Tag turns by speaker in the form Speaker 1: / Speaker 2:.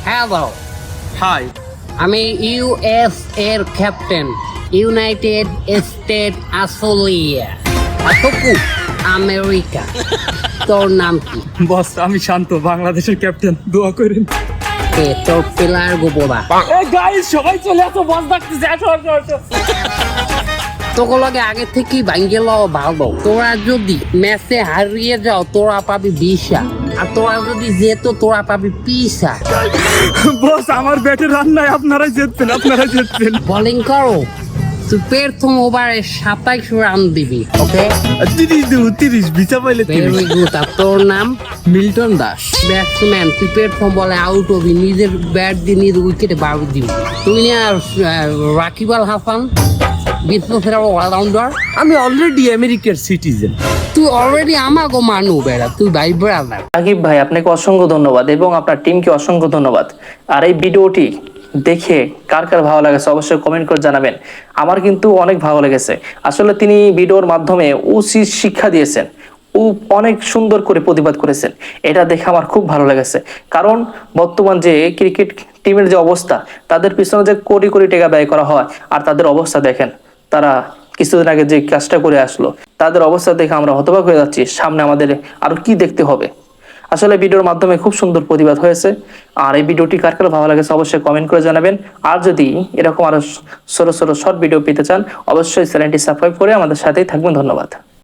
Speaker 1: Hello,
Speaker 2: hi.
Speaker 1: আমি US এর captain, united state Australia অথকু আমেরিকা। তোর নাম কি?
Speaker 2: বস আমি শান্ত, বাংলাদেশের ক্যাপ্টেন, দোয়া করেন।
Speaker 1: তোর প্লেয়ার গোবরা।
Speaker 2: গাইস সবাই চলে আসো, বস ডাকতেছে, আসো আসো আসো।
Speaker 1: তোগুলোকে আগে থেকেই ভাঙ্গে লওয়া ভালো। তোরা যদি ম্যাচে হারিয়ে যাও তোরা পাবি 20, আর তোরা যদি যেত তোরা পাবি 20।
Speaker 2: বস আমার ব্যাটে রান নাই, আপনারাই জিতবেন।
Speaker 1: বোলিং করো, তুই প্রথম ওভারে 27 রান দিবি। ওকে,
Speaker 2: 30 বিচা পাইলে
Speaker 1: ভেরি গুড। আর তোর নাম?
Speaker 2: মিল্টন দাস।
Speaker 1: ব্যাটসম্যান, তুই প্রথম বলে আউট হবি, নিজের ব্যাট দিয়ে নিজের উইকেটে বার দিবি। তুই না রাকিব আল হাসান, বিশ্বসেরা অলরাউন্ডার।
Speaker 2: আমি অলরেডি আমেরিকার সিটিজেন।
Speaker 1: তুই অলরেডি আমাগো মানু বেড়া, তুই ভাই ব্রাদার।
Speaker 3: রাকিব ভাই আপনাকে অসংখ্য ধন্যবাদ এবং আপনার টিমকে অসংখ্য ধন্যবাদ। আর এই ভিডিওটি দেখে কার কার ভালো লাগেছে অবশ্যই কমেন্ট করে জানাবেন। আমার কিন্তু অনেক ভালো লেগেছে। আসলে তিনি ভিডিওর মাধ্যমে উচিত শিক্ষা দিয়েছেন, অনেক সুন্দর করে প্রতিবাদ করেছেন। এটা দেখে আমার খুব ভালো লেগেছে। কারণ বর্তমান যে ক্রিকেট টিমের যে অবস্থা, তাদের পিছনে যে কোটি কোটি টাকা ব্যয় করা হয়, আর তাদের অবস্থা দেখেন, তারা কিছুদিন আগে যে কাজটা করে আসলো, তাদের অবস্থা দেখে আমরা হতবাক হয়ে যাচ্ছি। সামনে আমাদের আরো কি দেখতে হবে। আসলে ভিডিওর মাধ্যমে খুব সুন্দর প্রতিবাদ হয়েছে। আর এই ভিডিওটি কার কার ভালো লাগেছে অবশ্যই কমেন্ট করে জানাবেন। আর যদি এরকম আরো ছোট ছোট শর্ট ভিডিও পেতে চান অবশ্যই চ্যানেলটি সাবস্ক্রাইব করে আমাদের সাথেই থাকবেন। ধন্যবাদ।